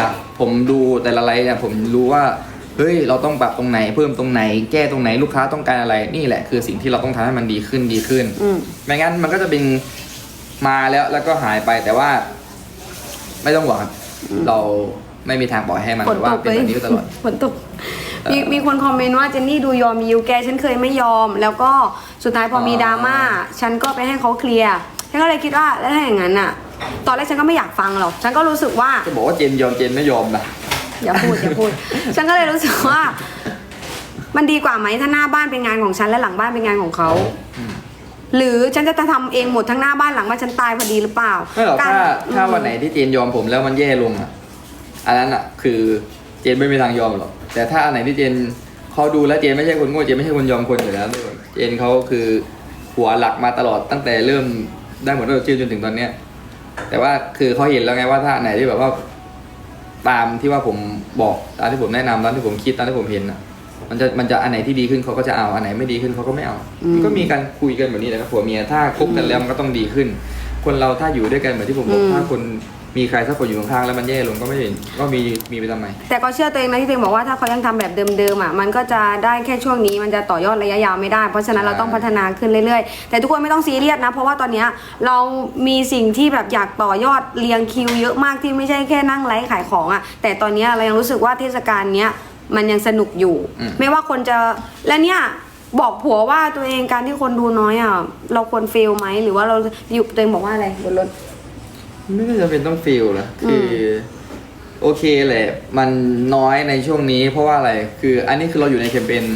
จากผมดูแต่ละไลฟ์เนี่ยผมรู้ว่าเฮ้ยเราต้องปรับตรงไหนเพิ่มตรงไหนแก้ตรงไหนลูกค้าต้องการอะไรนี่แหละคือสิ่งที่เราต้องทำให้มันดีขึ้นไม่งั้นมันก็จะเป็นมาแล้วก็หายไปแต่ว่าไม่ต้องหวังครับเราไม่มีทางปล่อยให้มันว่าเป็นแบบนี้ตลอดฝนตกมีคนคอมเมนต์ว่าเจนนี่ดูยอมยิวแกฉันเคยไม่ยอมแล้วก็สุดท้ายพอมีดราม่าฉันก็ไปให้เขาเคลียร์ฉันก็เลยคิดว่าแล้วถ้าอย่างนั้นอ่ะตอนแรกฉันก็ไม่อยากฟังหรอกฉันก็รู้สึกว่าจะบอกว่าเจนยอมเจนไม่ยอมนะอย่าพูดฉันก็เลยรู้สึกว่ามันดีกว่าไหมถ้าหน้าบ้านเป็นงานของฉันและหลังบ้านเป็นงานของเขาหรือฉันจะทำเองหมดทั้งหน้าบ้านหลังบ้านฉันตายพอดีหรือเปล่าไม่หรอกถ้าวันไหนที่เจนยอมผมแล้วมันแย่ลงอ่ะอันนั้นอ่ะคือเจนไม่มีทางยอมหรอกแต่ถ้าอันไหนที่เจนเขาดูแล้วเจนไม่ใช่คนโง่เจนไม่ใช่คนยอมคนอยู่แล้วเจนเขาคือหัวหลักมาตลอดตั้งแต่เริ่มได้หมดเราชื่อจนถึงตอนเนี้ยแต่ว่าคือเขาเห็นแล้วไงว่าถ้าไหนที่แบบว่าตามที่ว่าผมบอกตามที่ผมแนะนำตามที่ผมคิดตามที่ผมเห็นอ่ะมันจะอันไหนที่ดีขึ้นเขาก็จะเอาอันไหนไม่ดีขึ้นเขาก็ไม่เอามันก็มีการคุยกันแบบนี้แหละครับผัวเมียถ้าคบกันแล้วมันก็ต้องดีขึ้นคนเราถ้าอยู่ด้วยกันเหมือนที่ผมบอกถ้าคนมีใครสักคนอยู่ข้างๆแล้วมันแย่ลงก็ไม่เห็นก็มีไปทำไมแต่ก็เชื่อตัวเองนะที่ตัวเองบอกว่าถ้าเขายังทำแบบเดิมๆอ่ะมันก็จะได้แค่ช่วงนี้มันจะต่อยอดระยะยาวไม่ได้เพราะฉะนั้นเราต้องพัฒนาขึ้นเรื่อยๆแต่ทุกคนไม่ต้องซีเรียสนะเพราะว่าตอนนี้เรามีสิ่งที่แบบอยากต่อยอดเรียงคิวเยอะมากที่ไม่ใช่แค่นั่งไลฟ์ขายของอ่ะแต่ตอนนี้เรายังรู้สึกว่าเทศกาลเนี้ยมันยังสนุกอยู่ไม่ว่าคนจะและเนี่ยบอกผัวว่าตัวเองการที่คนดูน้อยอ่ะเราควรเฟลไหมหรือว่าเราอยู่ตัวเองบอกว่าอะไรบนรถไม่จำเป็นต้องฟีลนะคือโอเคแหละมันน้อยในช่วงนี้เพราะว่าอะไรคืออันนี้คือเราอยู่ในแคมเปญ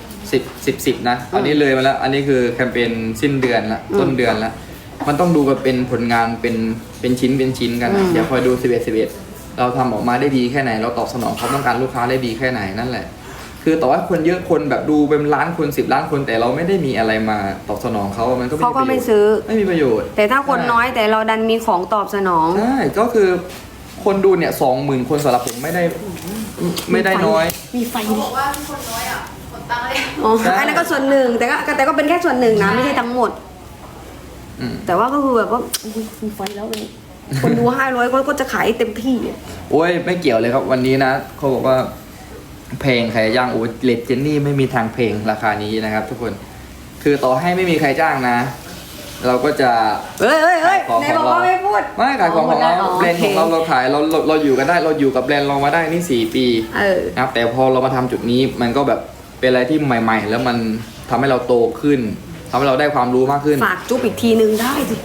10นะอันนี้เลยมาแล้วอันนี้คือแคมเปญสิ้นเดือนละต้นเดือนละมันต้องดูกันเป็นผลงานเป็นชิ้นกันอย่าคอยดู11เราทำออกมาได้ดีแค่ไหนเราตอบสนองความต้องการลูกค้าได้ดีแค่ไหนนั่นแหละคือต่อให้คนเยอะคนแบบดูเป็นล้านคน10 ล้านคนแต่เราไม่ได้มีอะไรมาตอบสนองเขามันก็ไม่ซื้อไม่มีประโยชน์แต่ถ้าคนน้อยแต่เราดันมีของตอบสนองใช่ก็คือคนดูเนี่ย20,000 คนสำหรับผมไม่ได้น้อยมีไฟเขาบอกว่าคนน้อยอ่ะคนตั้งเลยอ๋ออันนั้นก็ส่วนหนึ่งแต่ก็เป็นแค่ส่วนหนึ่งนะไม่ใช่ทั้งหมดแต่ว่าก็คือแบบว่ามีไฟแล้วเลยคนดู500ก็จะขายเต็มที่โอ้ยไม่เกี่ยวเลยครับวันนี้นะเขาบอกว่าเพลงใครจ้างโอ้เลดเจนนี่ไม่มีทางเพลงราคานี้นะครับทุกคนคือต่อให้ไม่มีใครจ้างนะเราก็จะในบอกว่าไม่พูดไม่ขายของเราแบรนด์ของเราขายเราอยู่กันได้เราอยู่กับแบรนด์เรามาได้นี่4 ปีนะครับแต่พอเรามาทำจุดนี้มันก็แบบเป็นอะไรที่ใหม่ๆแล้วมันทำให้เราโตขึ้นทำให้เราได้ความรู้มากขึ้นฝากจุ๊บอีกทีนึงได้สิ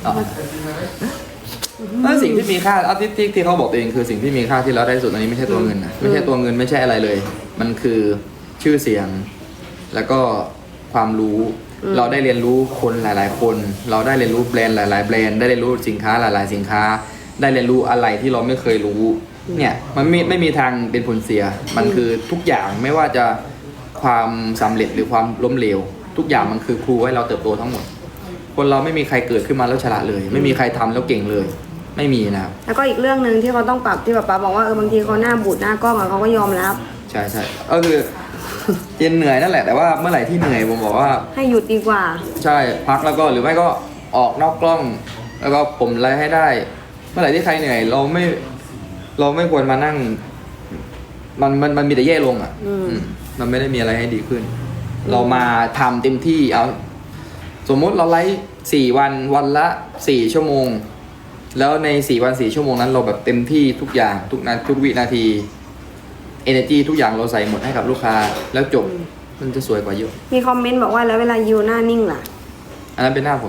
สิ่งที่มีค่าเอาที่เขาบอกตัวเองคือสิ่งที่มีค่าที่เราได้สุดอันนี้ไม่ใช่ตัวเงินนะไม่ใช่ตัวเงินไม่ใช่อะไรเลยมันคือชื่อเสียงแล้วก็ความรู้เราได้เรียนรู้คนหลายๆคนเราได้เรียนรู้แบรนด์หลายๆแบรนด์ได้เรียนรู้สินค้าหลายๆสินค้าได้เรียนรู้อะไรที่เราไม่เคยรู้เนี่ยมันไม่มีทางเป็นผลเสียมันคือทุกอย่างไม่ว่าจะความสำเร็จหรือความล้มเหลวทุกอย่างมันคือครูให้เราเติบโตทั้งหมดคนเราไม่มีใครเกิดขึ้นมาแล้วฉลาดเลยไม่มีใครทำแล้วเก่งเลยไม่มีนะครับแล้วก็อีกเรื่องนึงที่เขาต้องปรับที่ป๊าบอกว่าบางทีเขาหน้าบูดหน้ากล้องอะเขาก็ยอมรับใช่ก็คือเจนเหนื่อยนั่นแหละแต่ว่าเมื่อไหร่ที่เหนื่อยผมบอกว่าให้หยุดดีกว่าใช่พักแล้วก็หรือไม่ก็ออกนอกกล้องแล้วก็ผมไลฟ์ให้ได้เมื่อไหร่ที่ใครเหนื่อยเราไม่ควรมานั่งมันมีแต่แย่ลงอ่ะมันไม่ได้มีอะไรให้ดีขึ้นเรามาทำเต็มที่เอาสมมติเราไลฟ์4 วันละ4 ชั่วโมงแล้วใน4 วัน 4 ชั่วโมงนั้นเราแบบเต็มที่ทุกอย่างทุกวินาที energy ทุกอย่างเราใส่หมดให้กับลูกค้าแล้วจบมันจะสวยกว่าเยอะมีคอมเมนต์บอกว่าแล้วเวลายูหน้านิ่งล่ะอันนั้นเป็นหน้าผม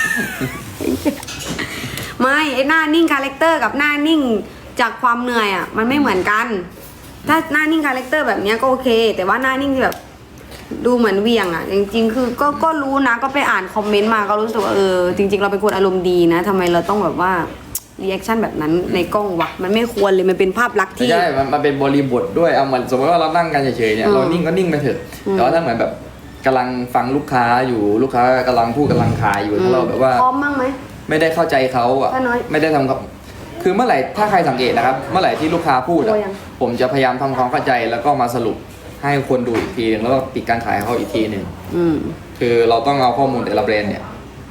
ไม่ไอหน้านิ่งคาแรคเตอร์กับหน้านิ่งจากความเหนื่อยอ่ะมันไม่เหมือนกันถ้าหน้านิ่งคาแรคเตอร์แบบนี้ก็โอเคแต่ว่าหน้านิ่งที่แบบดูเหมือนเวียงอ่ะจริงๆคือก็รู้นะก็ไปอ่านคอมเมนต์มาก็รู้สึกว่าจริงๆเราเป็นคนอารมณ์ดีนะทำไมเราต้องแบบว่ารีแอคชั่นแบบนั้นในกล้องวะมันไม่ควรเลยมันเป็นภาพลักษณ์ที่ใช่มันเป็นบริบทด้วยเอาเหมือนสมมติว่าเรานั่งกันเฉยๆเนี่ยเรานิ่งก็นิ่งไปเถอะแต่ว่าถ้าเหมือนแบบกำลังฟังลูกค้าอยู่ลูกค้ากำลังพูดกำลังขายอยู่ถ้าเราแบบว่าพร้อมบ้างไหมไม่ได้เข้าใจเขาอ่ะไม่ได้ทำกับคือเมื่อไหร่ถ้าใครสังเกตนะครับเมื่อไหร่ที่ลูกค้าพูดผมจะพยายามทำความเข้าใจแล้วก็มาสรุปให้คนดูอีกทีนึงแล้วก็ปิดการขายเขาอีกทีนึงคือเราต้องเอาข้อมูลแต่ละแบรนด์เนี่ยใ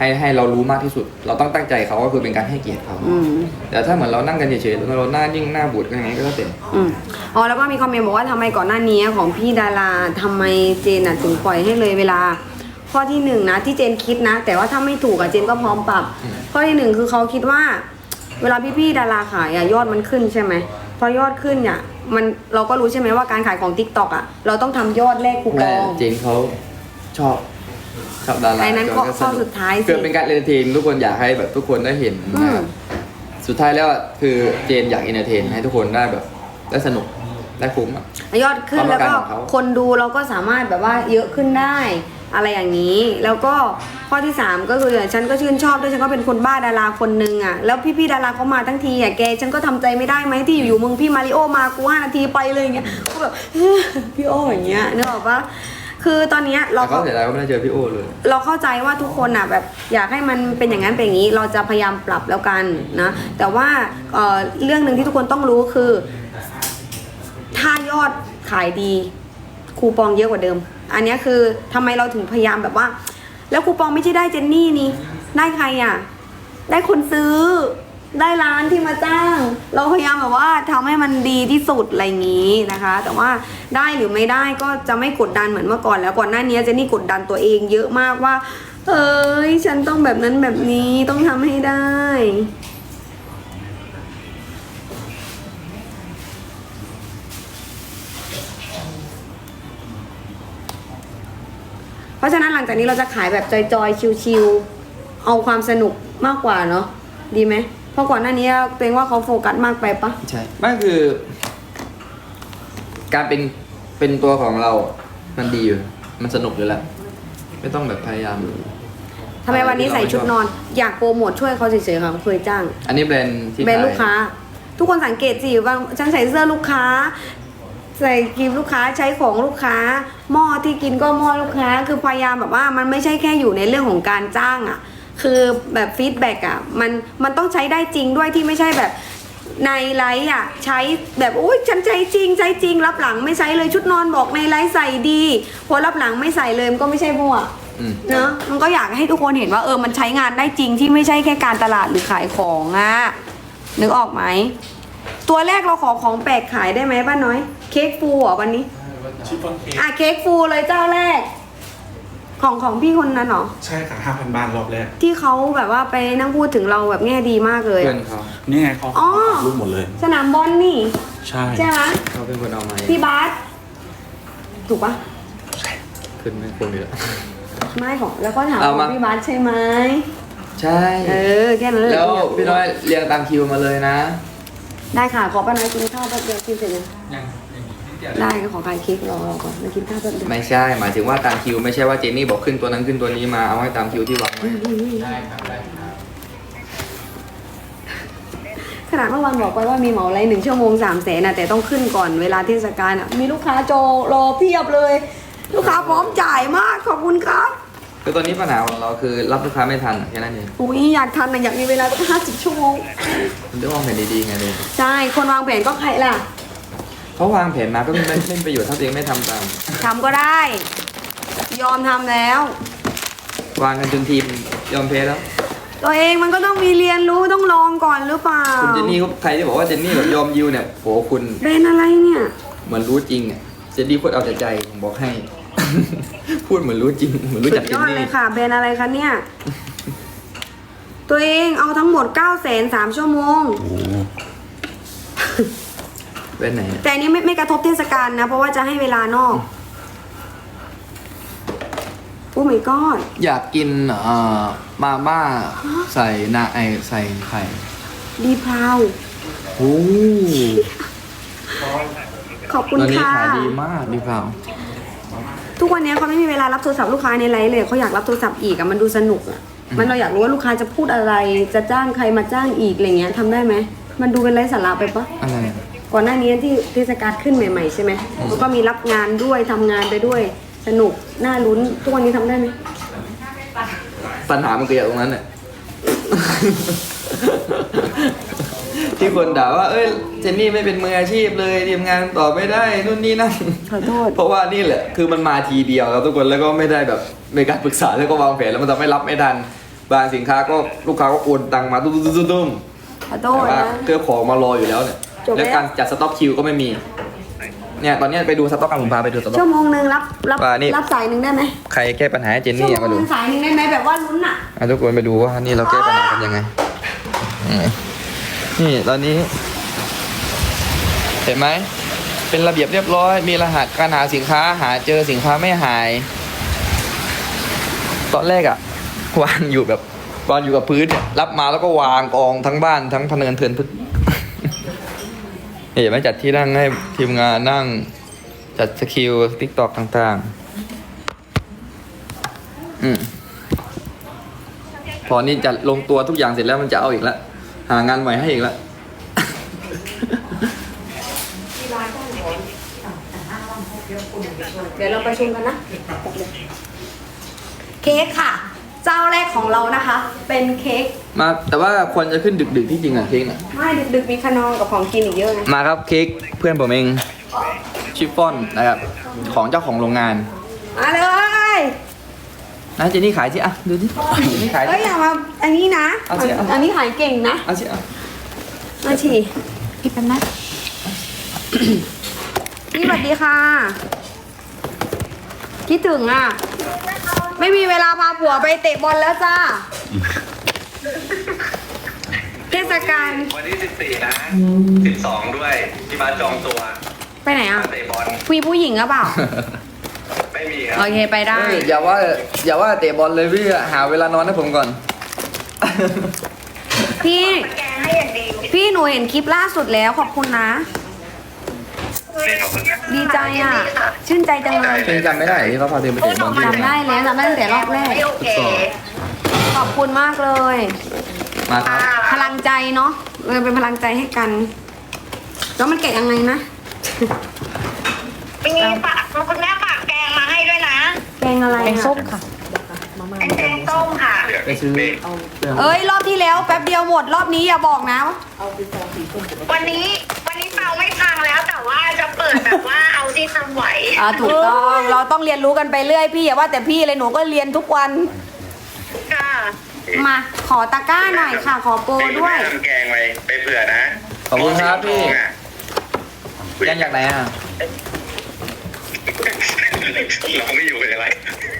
ให้เรารู้มากที่สุด เราต้องตั้งใจเขาก็คือเป็นการให้เกียรติเขาอืมแต่ถ้าเหมือนเรานั่งกันเฉยๆแล้วเราหน้านิ่งหน้าบูดยังไงก็แล้วแต่อืมอ๋อแล้วก็มีคอมเมนต์บอกว่าทำไมก่อนหน้านี้ของพี่ดาราทำไมเจนถึงปล่อยให้เลยเวลา ข้อที่หนึ่งนะที่เจนคิดนะ แต่ว่าถ้าไม่ถูกอะเจนก็พร้อมปรับ ข้อที่หนึ่งคือเขาคิดว่า เวลาพี่ๆดาราขายอะยอดมันขึ้นใช่ไหมพอยอดขึ้นเนี่ยมันเราก็รู้ใช่ไหมว่าการขายของ TikTok อะเราต้องทำยอดแลกคูปแม่องเจนเขาชอบดาราไอ้นั้นข้อก็สนุกสุดท้ายสิเกิดเป็นการเอนเตอร์เทนทุกคนอยากให้แบบทุกคนได้เห็นอืมสุดท้ายแล้วอะคือเจนอยากเอนเตอร์เทนให้ทุกคนได้แบบได้สนุกได้คุ้มอะยอดขึ้นความต้แล้อวงการก็ของเขาคนดูเราก็สามารถแบบว่าเยอะขึ้นได้อะไรอย่างนี้ แล้วก็ข้อที่ 3 ก็คือฉันก็ชื่นชอบด้วยฉันก็เป็นคนบ้าดาราคนนึงอ่ะแล้วพี่ๆดาราเขามาทั้งทีอ่ะแกฉันก็ทำใจไม่ได้ไหมที่อยู่ๆมึงพี่มาริโอมากู5 นาทีไปเลยอย่างเงี้ยก็แบบ พี่โออย่างเงี้ยนึกออกปะคือตอนเนี้ยเราแต่เขาเสียดายว่าไม่ได้เจอพี่โอเลยเราเข้าใจว่าทุกคนอ่ะแบบอยากให้มันเป็นอย่างนั้นเป็นอย่างนี้ เราจะพยายามปรับแล้วกันนะแต่ว่าเรื่องหนึ่งที่ทุกคนต้องรู้คือ ถ้ายอดขายดีคูปองเยอะกว่าเดิม อันเนี้ยคือทำไมเราถึงพยายามแบบว่า แล้วคูปองไม่ใช่ได้เจนนี่นี่ได้ใครอ่ะ ได้คนซื้อ ได้ร้านที่มาจ้าง เราพยายามแบบว่าทำให้มันดีที่สุดอะไรอย่างนี้นะคะ แต่ว่าได้หรือไม่ได้ก็จะไม่กดดันเหมือนเมื่อก่อนแล้วก่อนหน้านี้เจนนี่กดดันตัวเองเยอะมากว่าเอ้ยฉันต้องแบบนั้นแบบนี้ต้องทำให้ได้ เพราะฉะนั้นหลังจากนี้เราจะขายแบบจอยๆ ชิวๆ เอาความสนุกมากกว่าเนาะ ดีไหม เพราะก่อนหน้านี้ตัวเองว่าเขาโฟกัสมากไปปะใช่ไม่คือ การเป็นตัวของเรา มันดีอยู่ มันสนุกอยู่แล้ว ไม่ต้องแบบพยายามทำไมวันนี้ใส่ชุดนอน อยากโปรโมทช่วยเขาเฉยๆค่ะเคยจ้างอันนี้แบรนด์ที่แบรนด์ขายลูกค้า ทุกคนสังเกตสิว่าฉันใส่เสื้อลูกค้า ใส่ครีมลูกค้าใช้ของลูกค้า หม้อที่กินก็หม้อลูกค้า คือพยายามแบบว่ามันไม่ใช่แค่อยู่ในเรื่องของการจ้างอ่ะ คือแบบฟีดแบ็กอ่ะมันต้องใช้ได้จริงด้วยที่ไม่ใช่แบบในไลฟ์อ่ะใช้แบบอุ้ยฉันใช้จริงรับหลังไม่ใช้เลยชุดนอนบอกในไลฟ์ใส่ดีพอรับหลังไม่ใส่เลยมันก็ไม่ใช่พวก เนอะมันก็อยากให้ทุกคนเห็นว่ามันใช้งานได้จริงที่ไม่ใช่แค่การตลาดหรือขายของอะนึกออกไหมตัวแรกเราขอของแปลกขายได้ไหมป้าน้อย เค้กฟูเหรอวันนี้เค้กฟูเลยเจ้าแรก ของพี่คนนั้นเหรอใช่ค่ะ 5,000 บาทรอบแรกที่เขาแบบว่าไปนั่งพูดถึงเราแบบแง่ดีมากเลยเพื่อนเขานี่ไงเขาอ๋อรูปหมดเลยสนามบอลนี่ใช่ใช่ไหมเขาเป็นคนเอามาพี่บาสถูกปะขึ้นไม่คนอยู่แล้วไม่ของแล้วก็ถามเอามาว่าพี่บาสใช่ไหมใช่แค่นั้นแหละแล้วพี่น้อยเรียงตามคิวมาเลยนะได้ค่ะ ขอป้าน้อยกินข้าวแป๊บเดียวกินเสร็จยังได้ก็ขอขายเค้กรอก่อนมากินข้าวแป๊บเดียวไม่ใช่ หมายถึงว่าตามคิว ไม่ใช่ว่าเจนนี่บอกขึ้นตัวนั้นขึ้นตัวนี้มา เอาให้ตามคิวที่วางไว้ขนาดเมื่อวานบอกไปว่ามีเหมาไร1 ชั่วโมง300,000นะแต่ต้องขึ้นก่อนเวลาเทศกาลอ่ะมีลูกค้าโจรอเพียบเลย ลูกค้าพร้อมจ่ายมากขอบคุณครับคือตอนนี้ปัญหาของเราคือรับลูกค้าไม่ทันแค่นั้นเองอุ้ยอยากทันนะอยากมีเวลาตั้ง50 ชั่วโมงมันต้องวางแผนดีๆไงเลยใช่คนวางแผนก็ใครล่ะเขาวางแผนมาก็ไม่เป็นประโยชน์ถ้าตัวเองไม่ทำตามทำก็ได้ ยอมทำแล้ววางกันจนทีมยอมแพ้แล้วตัวเองมันก็ต้องมีเรียนรู้ต้องลองก่อนหรือเปล่าคุณเจนนี่ใครที่บอกว่าเจนนี่แบบยอมยิวเนี่ยโหคุณเป็นอะไรเนี่ยเหมือนรู้จริงอ่ะ เจนนี่พูดเอาแต่ใจผมบอกให้ พูดเหมือนรู้จริง เหมือนรู้สุจักดเจยนอดนี่เลยค่ะเป็นอะไรคะเนี่ย ตัวเองเอาทั้งหมด903 ชั่วโมงเป็นไหนเนี่ยแต่อันนี้ไม่กระทบเทศกาลนะ เพราะว่าจะให้เวลานอก โอ้ my god อยากกินมาม่าใส่ใส่ไข่ดีพราวโอ้ขอบคุณตอนนี้ค่ะขายดีมากดีเปล่าทุกวันนี้เขาไม่มีเวลารับโทรศัพท์ลูกค้าในไลฟ์เลยเขาอยากรับโทรศัพท์อีกอะมันดูสนุกอะมันเราอยากรู้ว่าลูกค้าจะพูดอะไร จะจ้างใครมาจ้างอีกอะไรเงี้ยทำได้ไหมมันดูเป็นไร้สาระไปปะอะไรก่อนหน้านี้ที่เทศกาลขึ้นใหม่ๆใช่ไหมแล้วก็มีรับงานด้วยทำงานไปด้วยสนุกน่าลุ้นทุกวันนี้ทำได้ไหมปัญหามันเกิดจากตรงนั้นเนี่ย ที่คนด่าว่า เอ้ย เจนนี่ไม่เป็นมืออาชีพเลยทีมงานต่อไม่ได้นู่นนี่นั่นขอโทษเพราะว่านี่แหละ คือมันมาทีเดียวครับทุกคน แล้วก็ไม่ได้แบบในการปรึกษาแล้วก็วางแผนแล้วมันทำให้รับไม่ทันบางสินค้าก็ลูกค้าก็โอนตังมาตุ้มขอโทแต่ษว่านะเครื่องของมารออยู่แล้วเนี่ยจบแล้วและการจัดสต็อกคิวก็ไม่มีเนี่ยตอนนี้ไปดูสต็อกกันผมพาไปดูสต็อกชั่วโมงนึงรับว่านี่รับสายหนึ่งได้ไหมใครแก้ปัญหาให้เจนชั่วนี่โมมาง ดูนึงสายหนึ่งได้ไหมแบบว่าลุ้นอ่ะทุกคนไปดูว่านี่เราแก้ปัญหากันยังไงนี่ตอนนี้ เห็นไหมเป็นระเบียบเรียบร้อย มีรหัสการหาสินค้าหาเจอสินค้าไม่หาย ตอนแรกอะวางอยู่แบบวางอยู่กับพื้นเนี่ยรับมาแล้วก็วางกองทั้งบ้านทั้งพะเนินเทินพึก เห็นไหมจัดที่นั่งให้ทีมงานนั่งจัดสกิลติ๊กตอกต่างๆพอนี่จะลงตัวทุกอย่างเสร็จแล้วมันจะเอาอีกแล้วหางานใหม่ให้อีกแล้วเดี๋ยวเราประชุมกันนะ เค้กค่ะ เจ้าแรกของเรานะคะ เป็นเค้กมาแต่ว่าควรจะขึ้นดึกๆที่จริงอะเค้กน่ะไม่ดึกๆมีขนมกับของกินอีกเยอะนะมาครับเค้กเพื่อนผมเองชิฟฟ่อนนะครับของเจ้าของโรงงานมาเลยนะเจนี่ขายสิอ่ะดูดิเจนี่ขายเอ้ยอย่ามาอันนี้นะเอาสิเอาอันนี้ขายเก่งนะเอาสิอ่ะมาฉีพี่แป๊บนะ นี่สวัสดีค่ะคิดถึงอ่ะ ไม่มีเวลาพาผัวไปเตะบอลแล้วจ้า เทศกาลวันที่14 นะ 12 ด้วยที่มาจองตัวไปไหนอ่ะมาเตะบอลคุยผู้หญิงหรือเปล่าไม่มีครับโอเคไปได้เฮ้ยอย่าว่าเตะบอลเลยพี่หาเวลานอนให้ผมก่อนพี่ พี่หนูเห็นคลิปล่าสุดแล้วขอบคุณนะ ดีใจอ่ะ ชื่นใจจังเลยเพลงจำไม่ได้ที่เขาพาเธอไปเตะบอลที่จำได้แล้วจำได้ตั้งแต่รอบแรก ขอบคุณมากเลยมาครับพลังใจเนาะเป็นพลังใจให้กัน แล้วมันแกะยังไงนะมีฝากคุณแม่ฝากแกงมาให้ด้วยนะแกงอะไรอะส้มค่ะเป็นแกงส้มค่ะไปซื้อเอ้ยรอบที่แล้วแป๊บเดียวหมดรอบนี้อย่าบอกนะวันนี้เตาไม่พังแล้วแต่ว่าจะเปิดแบบว่าเอาที่ทำไหวถูกต้องเราต้องเรียนรู้กันไปเรื่อยพี่อย่าว่าแต่พี่เลยหนูก็เรียนทุกวันค่ะมาขอตะกร้าหน่อยค่ะ ขอโปรด้วยทำแกงไปเผื่อนะขอบคุณครับพี่อ่ะยังจากไหนอ่ะเราไม่อยู่เป็นอะไร